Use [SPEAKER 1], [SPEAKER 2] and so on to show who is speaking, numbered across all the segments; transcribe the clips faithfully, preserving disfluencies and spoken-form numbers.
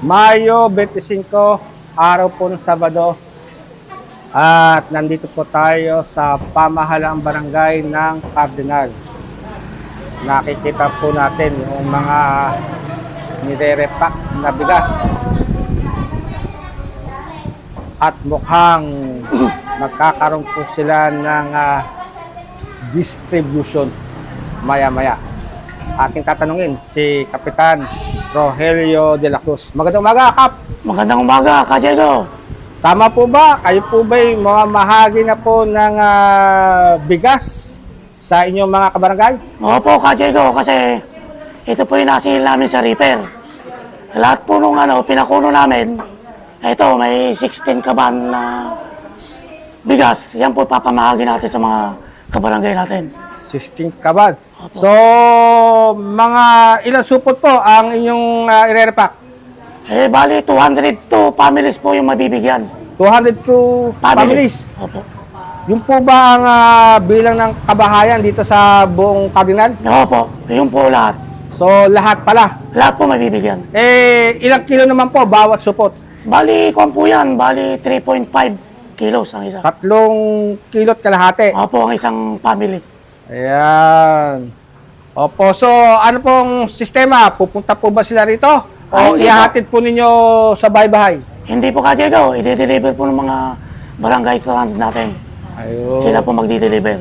[SPEAKER 1] Mayo twenty-five, araw po ng Sabado. At nandito po tayo sa pamahalaang barangay ng Cardinal. Nakikita po natin yung mga nire-repack na bigas. At mukhang magkakaroon po sila ng uh, distribution maya-maya. Ating tatanungin si Kapitan Rogelio de la Cruz. Magandang umaga, Kap!
[SPEAKER 2] Magandang umaga, Ka Diego.
[SPEAKER 1] Tama po ba? Kayo po ba'y mamahagi na po ng uh, bigas sa inyong mga kabarangay?
[SPEAKER 2] Opo, Ka Diego, kasi ito po yung nasil namin sa repair. Lahat po nung ano, pinakuno namin, ito, may sixteen kaban na bigas. Yan po papamahagi natin sa mga kabarangay natin.
[SPEAKER 1] sixteen kaban.
[SPEAKER 2] Opo.
[SPEAKER 1] So, mga ilang supot po ang inyong uh, ire-repack?
[SPEAKER 2] Eh, bali, two hundred two families po yung mabibigyan.
[SPEAKER 1] two hundred two families.
[SPEAKER 2] Opo.
[SPEAKER 1] Yung po ba ang uh, bilang ng kabahayan dito sa buong Cardinal?
[SPEAKER 2] Opo, yun po lahat.
[SPEAKER 1] So, lahat pala.
[SPEAKER 2] Lahat po mabibigyan.
[SPEAKER 1] Eh, ilang kilo naman po bawat supot?
[SPEAKER 2] Bali, kung po yan, bali three point five kilos ang isa.
[SPEAKER 1] Tatlong kilot kalahati.
[SPEAKER 2] Opo, ang isang family.
[SPEAKER 1] Ayan. Opo, so ano pong sistema? Pupunta po ba sila rito? O
[SPEAKER 2] Ah, hindi
[SPEAKER 1] ihahatid po ninyo sa bahay-bahay?
[SPEAKER 2] Hindi po, Ka Diego, i-deliver po ng mga barangay transit natin.
[SPEAKER 1] Ayun.
[SPEAKER 2] Sila po magdi-deliver.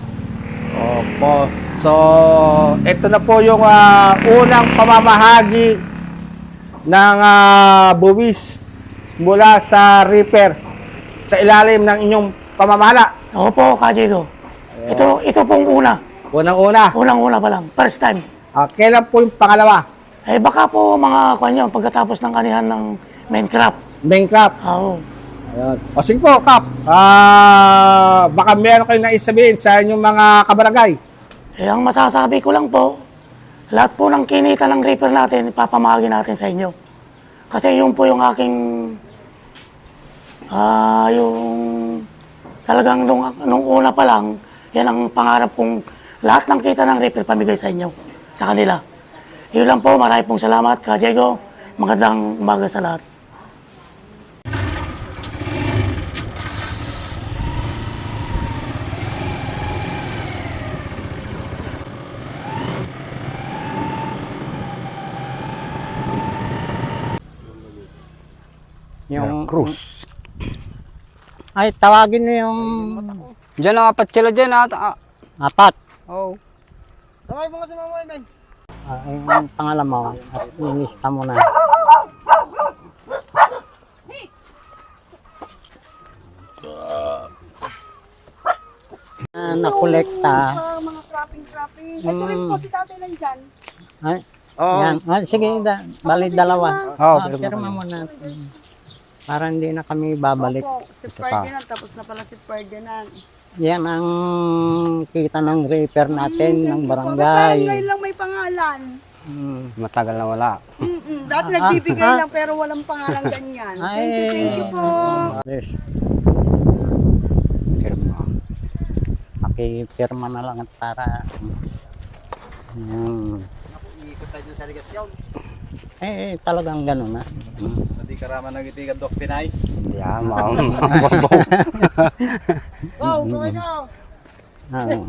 [SPEAKER 1] Opo. So, ito na po yung ah, unang pamamahagi ng ah, buwis mula sa repair sa ilalim ng inyong pamamahala.
[SPEAKER 2] Opo, Ka Diego. Ito, ito pong una.
[SPEAKER 1] Unang-una.
[SPEAKER 2] Unang-una pa lang. First time.
[SPEAKER 1] Ah, kailan po yung pangalawa?
[SPEAKER 2] Eh baka po mga kanyo, pagkatapos ng kanihan ng Minecraft.
[SPEAKER 1] Minecraft.
[SPEAKER 2] Oo.
[SPEAKER 1] Ayun. O sige po, Kap. Ah, baka meron kayong naisabihin sa inyong mga kabarangay.
[SPEAKER 2] Eh ang masasabi ko lang po, lahat po ng kinita ng reaper natin, ipapamahagi natin sa inyo. Kasi yun po yung aking, ah, yung talagang nung, nung una pa lang, yan ang pangarap kong lahat ng kita ng reaper pamigay sa inyo, sa kanila. Yun lang po, marami pong salamat, Ka Diego. Magandang umaga sa lahat.
[SPEAKER 3] Yung
[SPEAKER 1] Cruz.
[SPEAKER 3] Ay, tawagin niyo yung
[SPEAKER 4] Diyan ang apat sila dyan at ah,
[SPEAKER 3] apat.
[SPEAKER 4] oh.
[SPEAKER 1] Tawag mo kasi mga men.
[SPEAKER 3] Ah, yung pangalan mo at inista mo na. Ah, nakolekta.
[SPEAKER 5] Sa mga cropping-cropping. Ito rin
[SPEAKER 3] Mm.
[SPEAKER 5] po si tatay lang dyan.
[SPEAKER 3] Ay,
[SPEAKER 1] Oo.
[SPEAKER 3] yan. Ah, sige, da, bali dalawa.
[SPEAKER 4] Oh,
[SPEAKER 3] Ah, pirma mo na. Para hindi na kami babalik.
[SPEAKER 5] Opo, si Ferdinand. Tapos na pala si Ferdinand.
[SPEAKER 3] Yan ang kita ng repair natin ng
[SPEAKER 5] Thank you po. Ba't parang ngayon
[SPEAKER 3] barangay.
[SPEAKER 5] lang may pangalan?
[SPEAKER 3] Hmm.
[SPEAKER 4] Matagal na wala.
[SPEAKER 5] Mm-mm. Dati
[SPEAKER 3] Ah,
[SPEAKER 5] nagbibigay
[SPEAKER 3] ah.
[SPEAKER 5] lang pero walang pangalan ganyan.
[SPEAKER 3] Ay.
[SPEAKER 5] Thank you, thank you po.
[SPEAKER 3] Yes.
[SPEAKER 4] Firma.
[SPEAKER 3] Pakipirma na lang at para hmm.
[SPEAKER 1] Iikot tayo sa regasyon.
[SPEAKER 3] Eh, eh, talagang ganun na. Hmm.
[SPEAKER 1] Hindi ka raman nagitigan, Dok Pinay.
[SPEAKER 4] Yan, mga
[SPEAKER 1] Wow, kaway ka.
[SPEAKER 3] Ah, oo.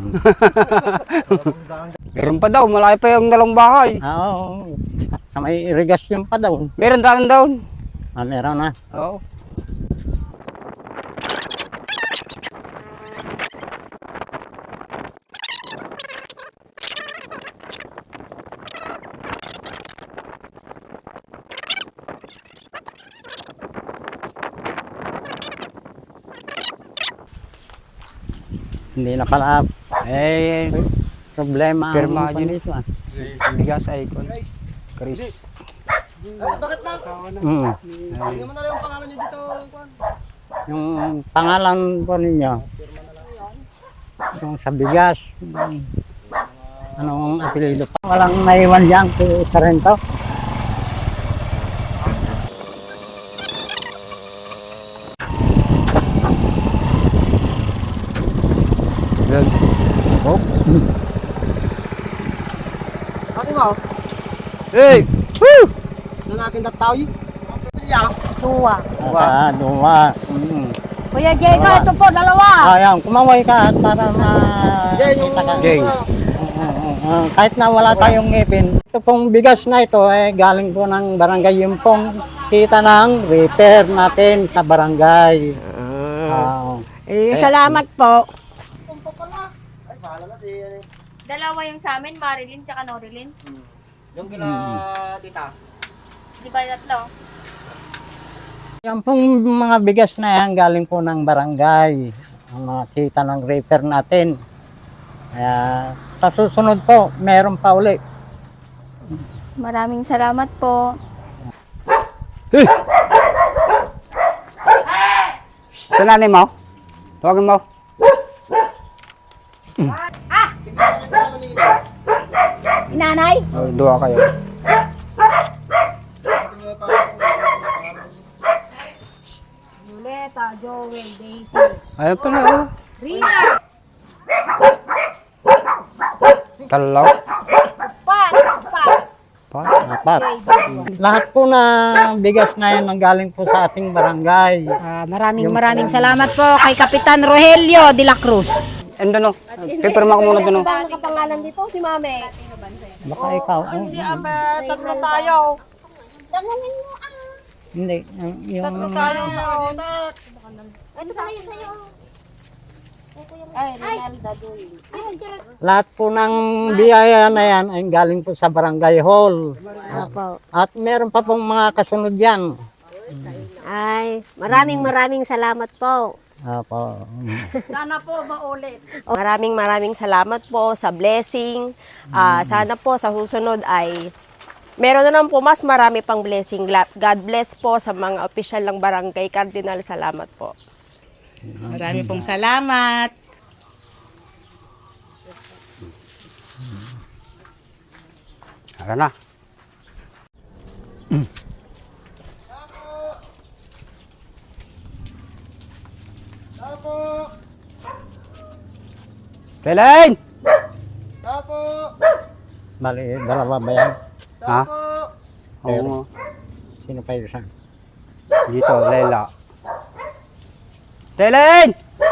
[SPEAKER 4] Meron pa daw, malaki pa yung dalawang bahay.
[SPEAKER 3] Ah, oo. Sa may irigasyon pa daw.
[SPEAKER 4] Meron tayo down.
[SPEAKER 3] Ah, meron na.
[SPEAKER 4] Oo.
[SPEAKER 3] Hindi na pala
[SPEAKER 4] Eh,
[SPEAKER 3] problema ang
[SPEAKER 4] Pirma
[SPEAKER 3] ano
[SPEAKER 4] yun.
[SPEAKER 3] dito, ah.
[SPEAKER 4] bigas ay kon. Chris.
[SPEAKER 1] Bakit na?
[SPEAKER 3] Mm.
[SPEAKER 1] Hindi mo na lang yung pangalan nyo dito. Juan.
[SPEAKER 3] Yung pangalan po ninyo. Yung sa bigas. yung Anong apelido pa? Walang naiwan dyan si Sarento.
[SPEAKER 4] Good. Oh.
[SPEAKER 1] Ate mo,
[SPEAKER 4] Hey! Woo!
[SPEAKER 1] nang akin dat tao yun.
[SPEAKER 6] Dua.
[SPEAKER 3] Ah, dua. Mm.
[SPEAKER 6] Kuya Diego, ito po, dalawa.
[SPEAKER 3] Ayan, kumaway ka at para makita ka.
[SPEAKER 4] Jeng.
[SPEAKER 3] Ah, kahit na wala tayong ngipin. Ito pong bigas na ito eh, galing po ng barangay. Yung pong kita ng repair natin sa barangay. Ah,
[SPEAKER 5] Eh, salamat po.
[SPEAKER 7] Dalawa yung sa amin, Marilyn tsaka Norilyn.
[SPEAKER 1] Yung kila tita.
[SPEAKER 7] Di ba tatlo?
[SPEAKER 3] yan pong mga bigas na yan galing po ng barangay. Ang mga kita ng repair natin. Kaya sa susunod po, meron pa uli.
[SPEAKER 7] Maraming salamat po.
[SPEAKER 4] Sa nanay mo? Tawagin mo.
[SPEAKER 5] Nanay?
[SPEAKER 4] Oh, dua kayo.
[SPEAKER 6] Julieta, Joel, Daisy.
[SPEAKER 4] Ayun pala, oh.
[SPEAKER 6] Rina.
[SPEAKER 4] Talaw.
[SPEAKER 6] Pat. Pat.
[SPEAKER 4] Pa.
[SPEAKER 3] Apat. Lahat po na bigas na yan ang galing po sa ating barangay.
[SPEAKER 5] Ah, maraming maraming salamat po kay Kapitan Rogelio de la Cruz.
[SPEAKER 4] Endo no. Kaya pirma ko muna doon. no?
[SPEAKER 5] Ano kapangalan dito si Mame?
[SPEAKER 3] Baka ikaw. oh,
[SPEAKER 6] Hindi, aba, tatlo tayo.
[SPEAKER 5] Tanungin mo ah.
[SPEAKER 3] Hindi. ang- Yung,
[SPEAKER 6] Tatlo tayo.
[SPEAKER 5] Ito pala yun sa'yo. Ay, Rinalda Duy.
[SPEAKER 3] lahat po ng biyaya na yan ay galing po sa barangay hall.
[SPEAKER 5] Opo.
[SPEAKER 3] At meron pa pong mga kasunod yan.
[SPEAKER 5] Ay, maraming maraming salamat po.
[SPEAKER 3] Apo.
[SPEAKER 6] Sana po maulit.
[SPEAKER 8] Maraming maraming salamat po sa blessing. Ah, sana po sa susunod ay meron na naman po mas marami pang blessing. Gla- God bless po sa mga opisyal ng Barangay Cardinal. Salamat po.
[SPEAKER 5] Marami pong salamat.
[SPEAKER 4] Tara na. Kailan?
[SPEAKER 3] Bali, dalawa ba yan?
[SPEAKER 4] Ha? Oo nga.
[SPEAKER 3] Sino pa yung isa?
[SPEAKER 4] Dito, Lela. Kailan?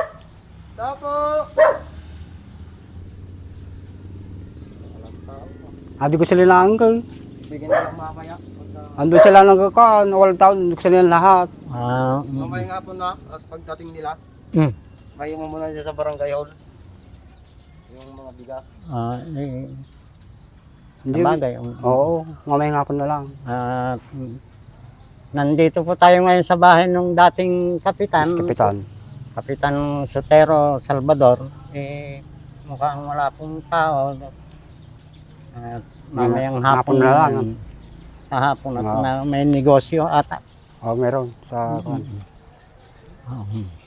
[SPEAKER 4] Adi ko sila lang ko.
[SPEAKER 1] Bigyan na lang mamaya.
[SPEAKER 4] Andun sila nagkakaan, walang tao, andun sila lahat.
[SPEAKER 3] Ah, mm.
[SPEAKER 1] Mamaya nga po na at pagdating nila,
[SPEAKER 3] Mm.
[SPEAKER 1] kayo mo muna dyan sa barangay hall. Yung mga bigas.
[SPEAKER 3] Ah, eh,
[SPEAKER 4] Hindi.
[SPEAKER 3] sabagay, um,
[SPEAKER 4] Oo, mamaya nga po na lang.
[SPEAKER 3] ah, mm. nandito po tayo ngayon sa bahay ng dating kapitan.
[SPEAKER 4] Mas kapitan.
[SPEAKER 3] Kapitan Sotero Salvador. Eh, mukhang wala pong tao. At mamayang hapon,
[SPEAKER 4] Hapon na lang.
[SPEAKER 3] mm, Sa hapon at
[SPEAKER 4] Oo.
[SPEAKER 3] na may negosyo ata.
[SPEAKER 4] Oo, meron sa...
[SPEAKER 3] Oo.